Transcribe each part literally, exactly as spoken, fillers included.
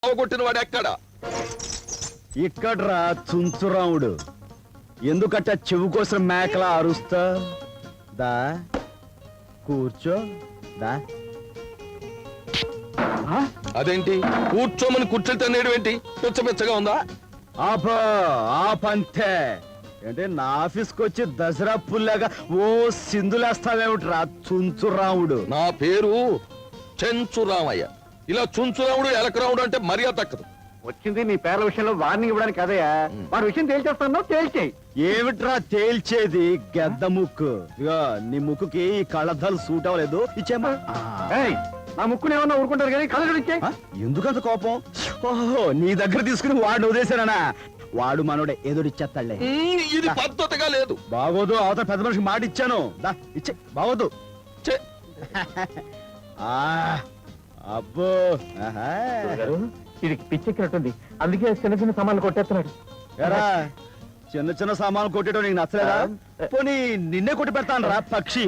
అవగొట్టిన వాడు ఎక్కడ? ఇక్కడ్రా చుంచురాముడు. ఎందుకట్ట చెవు కోసం మేకలా అరుస్తా? దా కూర్చో. దా. అదేంటి కూర్చోమని కూర్చొని తన్నేయడం ఏంటి? పిచ్చ పిచ్చగా ఉందా? ఆపా ఆపంతే. అంటే నా ఆఫీస్కి వచ్చి దసరా పుల్లాగా ఓ సింధులేస్తావేమిట్రా చుంచురాముడు? నా పేరు చెంచురామయ్య. ఇలా చుంచురాముడు ఎలకరాముడు అంటే మర్యాద తక్కదు. వచ్చింది నీ పేర్ల విషయంలో వార్నింగ్ ఇవ్వడానికి కదయా, వాడి విషయం తేల్చేస్తాను, తేల్చేయి. ఏమిట్రా తేల్చేది? గెద్ద ముక్కు. ఇగో నీ ముక్కుకి ఈ కళ్ళద్దాలు సూట్ అవ్వలేదు. ఇచ్చేమా. నా ముక్కుని ఏమన్నా ఊరుకుంటారు కానీ కళ్ళ ఇచ్చే. ఎందుకంత కోపం? ఓహో, నీ దగ్గర తీసుకుని వాడిని వదిలేశానా? వాడు మనోడే ఎదురిచ్చేస్తాడులే. ఇది పద్ధతిగా లేదు. బాగోదు. అవతల పెద్ద మనిషికి మాట ఇచ్చాను. దా ఇచ్చే. బాగోదు. అబ్బో, ఇది పిచ్చెక్కినట్టుంది, అందుకే చిన్న చిన్న సామాన్లు కొట్టేస్తున్నాడు. ఎరా చిన్న చిన్న సామాన్లు కొట్టేయడం నీకు నచ్చలేదా? పోనీ నిన్నే కొట్టి పెడతాను రా పక్షి.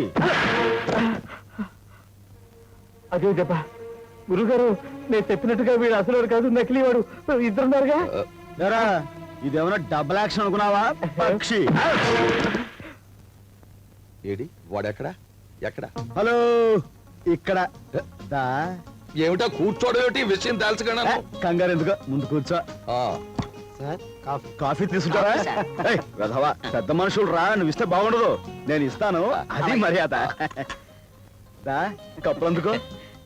అదే చెప్ప గురుగారు, నేను చెప్పినట్టుగా వీడు అసలు కాదు, నకిలీ వాడు. ఇద్దరున్నారుగా. ఎరా ఇదేమన్నా డబుల్ యాక్షన్ అనుకున్నావా పక్షి? ఏడి వాడెక్కడ? ఎక్కడ? హలో, ఇక్కడ. దా. ఏమిటా కూర్చోడం ఏమిటి? విషయం తెలుసుకున్నా. కంగారు ఎందుకు, ముందు కూర్చో. కాఫీ తీసుకుంటారా? వెధవా, పెద్ద మనుషులు రా, నువ్వు ఇస్తే బాగుండదు. నేను ఇస్తాను, అది మర్యాద. దా కప్పులు అందుకో.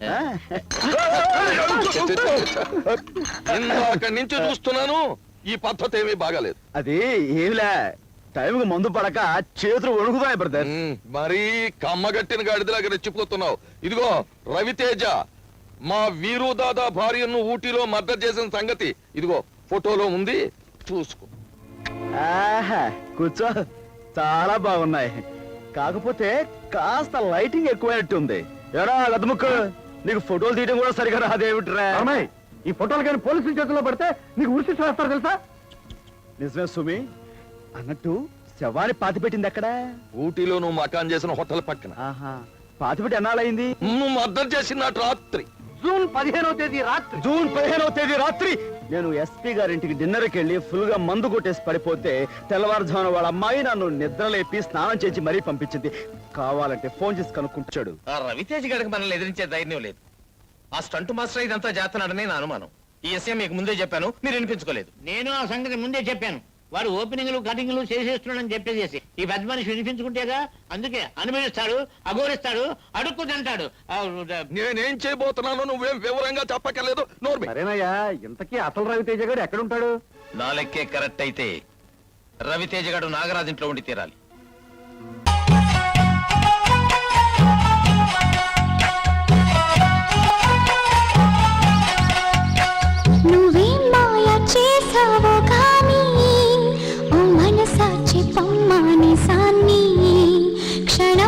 ఇందాక నుంచి చూస్తున్నాను, ఈ పద్ధతి ఏమీ బాగాలేదు. అది ఏమిలే, టైంకి మందు పడక చేతులు వణుకుతాయి బ్రదర్. మరీ కమ్మగట్టిన గాడిదలాగా రెచ్చిపోతున్నావు. ఇదిగో రవితేజ, మా వీరు దాదా భార్యను ఊటీలో మర్డర్ చేసిన సంగతి ఇదిగో ఫోటోలో ఉంది, చూసుకో. ఆహా, కూర్చో. చాలా బాగున్నాయి, కాకపోతే కాస్త లైటింగ్ ఎక్కువైనట్టుంది. ఎరా గదముక్కు, నీకు ఫోటోలు తీయడం కూడా సరిగా రాదేమిట్రా? ఈ ఫోటోలు కానీ పోలీసుల చేతుల్లో పడితే నీకు ఉరిసి వేస్తారు తెలుసా? నిజమే సుమి. అన్నట్టు శవాన్ని పాతి పెట్టింది ఎక్కడ? ఊటీలో నువ్వు మకాన్ చేసిన హోటల్ పక్కన. ఆహా, పాతి పెట్టి ఎన్నాళ్ళయింది? నువ్వు మర్డర్ చేసిన రాత్రి జూన్ పదిహేనవ తేదీ రాత్రి. జూన్ పదిహేనవ తేదీ రాత్రి నేను ఎస్పీ గారింటికి డిన్నర్కి వెళ్ళి ఫుల్ గా మందు కొట్టేసి పడిపోతే తెల్లవారుజామున వాళ్ళ అమ్మాయి నన్ను నిద్రలేపి స్నానం చేసి మరీ పంపించింది. కావాలంటే ఫోన్ చేసి కనుక్కుంటాడు. ఆ రవితేజ్ గడికి మనల్ని ఎదిరించే ధైర్యం లేదు. ఆ స్టంట్ మాస్టర్ ఇదంతా చేస్తున్నాడని నా అనుమానం. ఈ విషయం మీకు ముందే చెప్పాను, మీరు వినిపించుకోలేదు. నేను ఆ సంగతి ముందే చెప్పాను. వాడు ఓపెనింగ్లు కటింగ్లు చేసేస్తున్నాడని చెప్పేసి ఈ పెద్ద మనిషి వినిపించుకుంటేగా, అందుకే అనుభవిస్తాడు, అఘోరిస్తాడు, అడుక్కు తింటాడు. నేనేం చేయబోతున్నానో నువ్వేం వివరంగా చెప్పక్కర్లేదు. నోర్మి. సరేనయ్యా, ఇంతకీ అసలు రవితేజ గారు ఎక్కడుంటాడు? నా లెక్కే కరెక్ట్ అయితే రవితేజ గడు నాగరాజ్ ఇంట్లో ఉండి తీరాలి.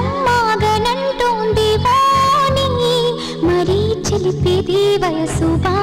వయసు